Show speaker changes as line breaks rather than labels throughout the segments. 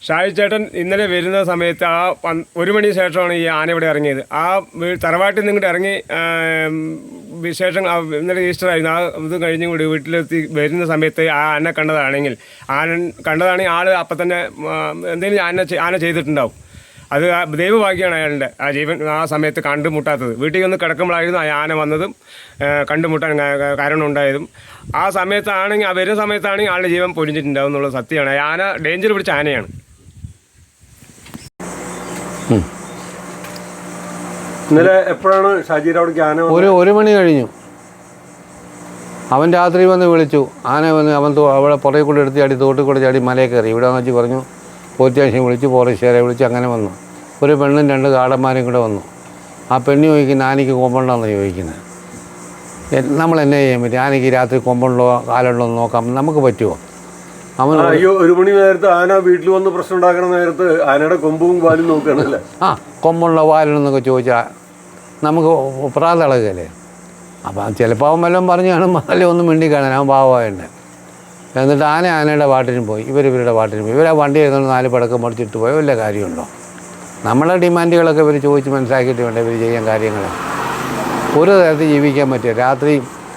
ഷാജി ചേട്ടൻ ഇന്നലെ വരുന്ന സമയത്ത് ആ 1 മണിക്ക് ശേഷമാണ് ഈ ആന ഇവിടെ ഇറങ്ങിയത്. ആ തറവാട്ടിൽ നിന്നിട്ട് ഇറങ്ങി വിശേഷം ഇന്നലെ ഈസ്റ്റർ ആയിരുന്നു. ആ ഇത് കഴിഞ്ഞും കൂടി വീട്ടിലെത്തി വരുന്ന സമയത്ത് ആ ആന കണ്ടതാണെങ്കിൽ ആൾ അപ്പം തന്നെ എന്തെങ്കിലും ആന ചെയ്തിട്ടുണ്ടാവും. അത് ദൈവഭാഗ്യമാണ് അയാളുടെ ആ ജീവൻ ആ സമയത്ത് കണ്ടുമുട്ടാത്തത്. വീട്ടിൽ വന്ന് കിടക്കുമ്പോഴായിരുന്നു ആ ആന വന്നതും കണ്ടുമുട്ടാൻ കാരണം ഉണ്ടായതും. ആ സമയത്താണെങ്കിൽ ആ വരുന്ന സമയത്താണെങ്കിൽ ആളുടെ ജീവൻ പൊലിഞ്ഞിട്ടുണ്ടാവും എന്നുള്ളത് സത്യമാണ്. ആന ഡേഞ്ചർ പിടിച്ച ആനയാണ്.
ഇന്നലെ എപ്പോഴാണ് ഷാജിയുടെ അവിടേക്ക് ആന?
1 മണി കഴിഞ്ഞു. അവൻ രാത്രി വന്ന് വിളിച്ചു. ആന വന്ന് അവൻ അവിടെ പുറകെ കൂടെ എടുത്ത് ചാടി തോട്ടിൽ കൂടെ ചാടി മലയിൽ കയറി. ഇവിടെ വന്ന് വെച്ച് പറഞ്ഞു, പോലീസ് സ്റ്റേഷൻ വിളിച്ച് ഫോറസ്റ്റുകാരെ വിളിച്ച് അങ്ങനെ വന്നു. ഒരു പെണ്ണും 2 കാടന്മാരും കൂടെ വന്നു. ആ പെണ്ണ് ചോദിക്കുന്നത് ആനയ്ക്ക് കൊമ്പുണ്ടോയെന്ന് ചോദിക്കുന്നത്. നമ്മൾ എന്നെ ചെയ്യാൻ പറ്റും? ആനയ്ക്ക് രാത്രി കൊമ്പുണ്ടോ കാലുണ്ടോ എന്ന് നോക്കാം, നമുക്ക് പറ്റുമോ? അവൻ
1 മണി നേരത്ത് ആന വീട്ടിൽ വന്ന് പ്രശ്നം ഉണ്ടാക്കുന്ന നേരത്ത് ആനയുടെ കൊമ്പും പാലും നോക്കുകയാണല്ലേ?
കൊമ്പുണ്ടോ പാലുണ്ടെന്നൊക്കെ ചോദിച്ചാൽ നമുക്ക് പ്രാതളകല്ലേ. അപ്പം ചിലപ്പോൾ അവൻ വല്ലതും പറഞ്ഞു കാണും, അല്ലെ ഒന്നും മിണ്ടി കാണാൻ അവൻ പാവമായിട്ട്. എന്നിട്ട് ആനയുടെ പാട്ടിനും പോയി, ഇവരുടെ പാട്ടിനും പോയി. ഇവരാ വണ്ടി എഴുതുന്ന 4 പടക്കം മടിച്ചിട്ട് പോയ വല്ല കാര്യമുണ്ടോ? നമ്മളെ ഡിമാൻഡുകളൊക്കെ ഇവർ ചോദിച്ച് മനസ്സിലാക്കിയിട്ട് വേണ്ട ഇവർ ചെയ്യാൻ കാര്യങ്ങൾ. ഒരു തരത്തിൽ ജീവിക്കാൻ പറ്റുക. രാത്രി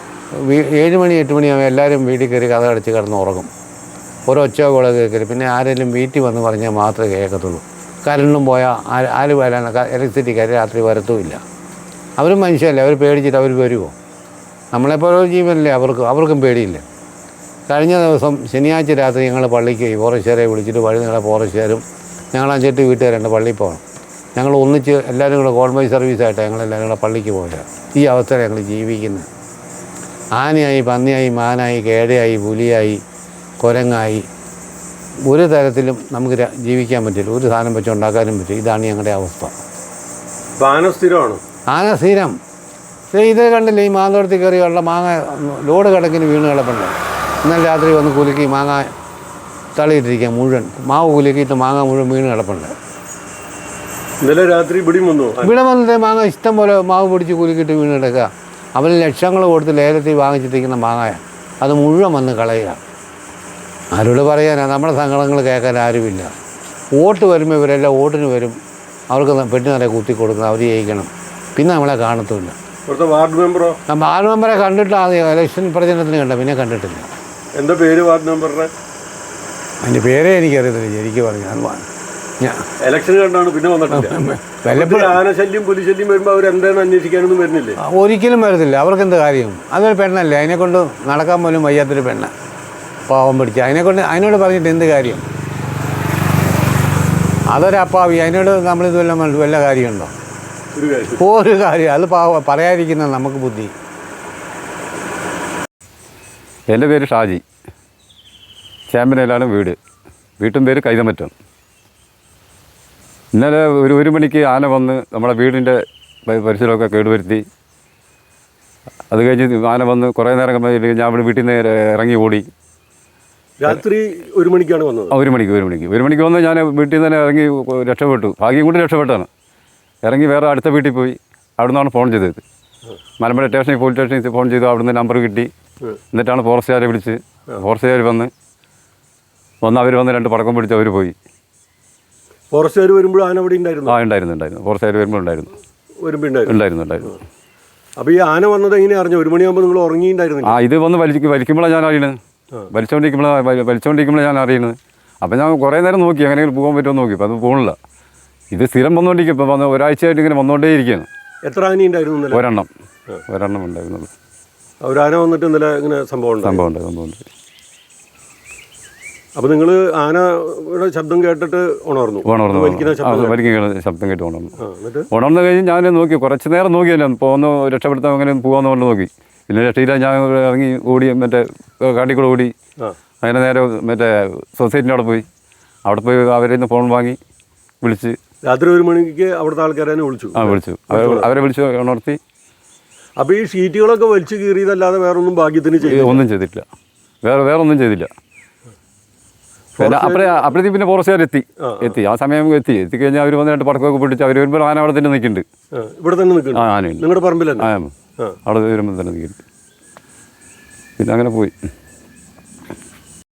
7 മണി 8 മണിയാകുമ്പോൾ എല്ലാവരും വീട്ടിൽ കയറി കഥ അടച്ച് കിടന്ന് ഉറങ്ങും. ഒരൊച്ച കൂടെ കേൾക്കരുത്. പിന്നെ ആരെങ്കിലും വീട്ടിൽ വന്ന് പറഞ്ഞാൽ മാത്രമേ കേൾക്കത്തുള്ളൂ. കരണ്ടും പോയാൽ ആര് വരാൻ ഇലക്ട്രിസിറ്റിക്കാർ രാത്രി വരത്തുമില്ല. അവരും മനുഷ്യരല്ലേ, അവർ പേടിച്ചിട്ട് അവർ വരുമോ? നമ്മളെപ്പോലെ ജീവനല്ലേ അവർക്കും പേടിയില്ല. കഴിഞ്ഞ ദിവസം ശനിയാഴ്ച രാത്രി ഞങ്ങൾ പള്ളിക്ക് ഫോറസ്റ്റുകാരെ വിളിച്ചിട്ട് വഴി നിങ്ങളെ ഫോറസ്റ്റുകാരും ഞങ്ങൾ 5-8 വീട്ടുകാരുണ്ട് പള്ളിയിൽ പോകണം. ഞങ്ങൾ ഒന്നിച്ച് എല്ലാവരും കൂടെ കോൺവോയ് സർവീസായിട്ട് ഞങ്ങളെല്ലാവരും കൂടെ പള്ളിക്ക് പോയില്ല. ഈ അവസ്ഥയിൽ ഞങ്ങൾ ജീവിക്കുന്നത്. ആനയായി, പന്നിയായി, മാനായി, കേടയായി, പുലിയായി, കുരങ്ങായി, ഒരു തരത്തിലും നമുക്ക് ജീവിക്കാൻ പറ്റില്ല. ഒരു സാധനം വെച്ചുണ്ടാക്കാനും പറ്റില്ല. ഇതാണ് ഞങ്ങളുടെ അവസ്ഥ.
ആന സ്ഥിരമാണ്.
ആന സ്ഥിരം. ഇത് കണ്ടില്ലേ, ഈ മാന്തോടത്തിൽ കയറിയുള്ള മാങ്ങ ലോഡ് കണക്കിന് വീണ് കിടപ്പുണ്ട്. ഇന്നലെ രാത്രി വന്ന് കുലുക്കി മാങ്ങ തള്ളിയിട്ടിരിക്കുക മുഴുവൻ. മാവ് കുലുക്കിയിട്ട് മാങ്ങ മുഴുവൻ വീണ് കിടപ്പുണ്ട്.
ഇന്നലെ രാത്രി ഇവിടെ
വന്നിട്ട് മാങ്ങ ഇഷ്ടം പോലെ മാവ് പിടിച്ച് കുലുക്കിയിട്ട് വീണ് കിടക്കുക. അവന് ലക്ഷങ്ങൾ കൊടുത്ത് ലേലത്തിൽ വാങ്ങിച്ചിട്ടിരിക്കുന്ന മാങ്ങ അത് മുഴുവൻ വന്ന് കളയുക. ആരോട് പറയാനാ? നമ്മുടെ സങ്കടങ്ങൾ കേൾക്കാൻ ആരുമില്ല. വോട്ട് വരുമ്പോൾ ഇവരെല്ലാം വോട്ടിന് വരും. അവർക്ക് പെട്ടി നിറയെ കുത്തി കൊടുക്കണം, അവർ ജയിക്കണം. പിന്നെ നമ്മളെ കാണത്തുമില്ല.
വാർഡ്
മെമ്പറെ കണ്ടിട്ട് ആദ്യം ഇലക്ഷൻ പ്രചരണത്തിന് കണ്ട, പിന്നെ കണ്ടിട്ടില്ല.
എന്താ പേര് വാർഡ് മെമ്പറുടെ?
അതിൻ്റെ പേരേ എനിക്കറിയത്തില്ല ശരിക്കും പറഞ്ഞു.
ഇലക്ഷൻ കണ്ടാണ് പിന്നെ വന്നിട്ടില്ല. ആനശല്യം പുലിശല്യം വരുമ്പോൾ അവരെന്താണ് അന്വേഷിക്കാനൊന്നും വരുന്നില്ലേ?
ഒരിക്കലും വരത്തില്ല. അവർക്കെന്ത് കാര്യം? അതൊരു പെണ്ണല്ലേ, അതിനെക്കൊണ്ട് നടക്കാൻ പോലും വയ്യാത്തൊരു പെണ്ണ, പാവം പിടിച്ച്. അതിനോട് പറഞ്ഞിട്ട് എന്ത് കാര്യം? അതൊരപ്പാവി. അതിനോട് നമ്മളിത് വല്ല കാര്യമുണ്ടോ? ഒരു കാര്യം. അത് പറയാതിരിക്കുന്ന നമുക്ക് ബുദ്ധി.
എൻ്റെ പേര് ഷാജി. ചേമ്പനയിലാണ് വീട്ടും പേര് കൈതമറ്റം. ഇന്നലെ 1 മണിക്ക് ആന വന്ന് നമ്മുടെ വീടിൻ്റെ പരിസരമൊക്കെ കേടുവരുത്തി. അത് കഴിഞ്ഞ് ആന വന്ന് കുറേ നേരം ഞാൻ ഇവിടെ വീട്ടിൽ നിന്ന് ഇറങ്ങി ഓടി.
രാത്രി 1 മണിക്കാണ് വന്നത്.
1 മണിക്ക് വന്ന് ഞാൻ വീട്ടിൽ നിന്ന് തന്നെ ഇറങ്ങി രക്ഷപ്പെട്ടു. ഭാഗ്യം കൊണ്ട് രക്ഷപ്പെട്ടാണ്. ഇറങ്ങി വേറെ അടുത്ത വീട്ടിൽ പോയി. അവിടെ നിന്നാണ് ഫോൺ ചെയ്തത്. മലമ്പുഴ പോലീസ് സ്റ്റേഷനിൽ ഫോൺ ചെയ്തു. അവിടെ നിന്ന് നമ്പർ കിട്ടി. എന്നിട്ടാണ് ഫോറസ്റ്റുകാരെ വിളിച്ച്. ഫോറസ്റ്റുകാർ വന്ന് അവർ വന്ന് 2 പടക്കം പിടിച്ച് അവർ പോയി.
ഫോറസ്റ്റുകാർ വരുമ്പോൾ ആന അവിടെ ഉണ്ടായിരുന്നു?
ഉണ്ടായിരുന്നു. ഫോറസ്റ്റുകാർ വരുമ്പോൾ ഉണ്ടായിരുന്നു.
അപ്പോൾ ഈ ആന വന്നത് എങ്ങനെ അറിഞ്ഞു? 1 മണിയാകുമ്പോൾ നിങ്ങൾ ഉറങ്ങിയിട്ടുണ്ടായിരുന്നു?
ഇത് വന്ന് വലിക്കുമ്പോഴാണ് ഞാൻ അറിയണത്. വലിച്ചുകൊണ്ടിരിക്കുമ്പോഴാണ് ഞാൻ അറിയുന്നത്. അപ്പം ഞാൻ കുറേ നേരം നോക്കി എങ്ങനെയെങ്കിലും പോകാൻ പറ്റുമോ നോക്കി. അപ്പോൾ അത് പോകണില്ല. ഇത് സ്ഥിരം വന്നുകൊണ്ടിരിക്കും. ഇപ്പോൾ ഒരാഴ്ചയായിട്ട് ഇങ്ങനെ വന്നുകൊണ്ടേയിരിക്കുകയാണ്.
എത്ര ആന ഉണ്ടായിരുന്നു?
ഒരെണ്ണം ഉണ്ടായിരുന്നുള്ളൂ.
ഒരാന വന്നിട്ട് ഇന്നലെ ഇങ്ങനെ സംഭവമുണ്ട്. അപ്പോൾ നിങ്ങൾ ആനയുടെ ശബ്ദം കേട്ടിട്ട് ഉണർന്നു?
വലിക്കുന്ന ശബ്ദം കേട്ട് ഉണർന്നു കഴിഞ്ഞ് ഞാൻ നോക്കി. കുറച്ച് നേരം നോക്കിയല്ലോ പോകുന്ന രക്ഷപ്പെടുത്താൻ അങ്ങനെ പോകാമെന്ന് കൊണ്ട് നോക്കി. പിന്നെ രക്ഷയില്ല. ഞാൻ ഇറങ്ങി ഓടി, കാട്ടിക്കൂടെ ഓടി. അങ്ങനെ നേരെ സൊസൈറ്റിൻ്റെ അവിടെ പോയി അവരിൽ നിന്ന് ഫോൺ വാങ്ങി വിളിച്ച്
രാത്രി 1 മണിക്ക് അവിടുത്തെ ആൾക്കാരെ വിളിച്ചു.
അവരെ വിളിച്ച് ഉണർത്തി.
അപ്പോൾ ഈ ഷീറ്റുകളൊക്കെ വലിച്ചു കീറിയതല്ലാതെ വേറൊന്നും ഭാഗ്യത്തിന്
ഒന്നും ചെയ്തിട്ടില്ല. വേറെ ഒന്നും ചെയ്തില്ല. അപ്പോഴത്തേക്ക് പിന്നെ ഫോറസ്റ്റുകാർ എത്തി. ആ സമയം എത്തിക്കഴിഞ്ഞാൽ അവർ വന്ന് 2 പടക്കമൊക്കെ പിടിച്ച് അവർ വരുമ്പോൾ ആന അവിടെ തന്നെ നിൽക്കുന്നുണ്ട്.
ഇവിടെ തന്നെ നിൽക്കുന്നു?
ആനയുണ്ട്
നിങ്ങളുടെ പറമ്പിൽ?
അവിടെ വരുമ്പോൾ തന്നെ നിൽക്കുന്നുണ്ട്. പിന്നെ അങ്ങനെ പോയി.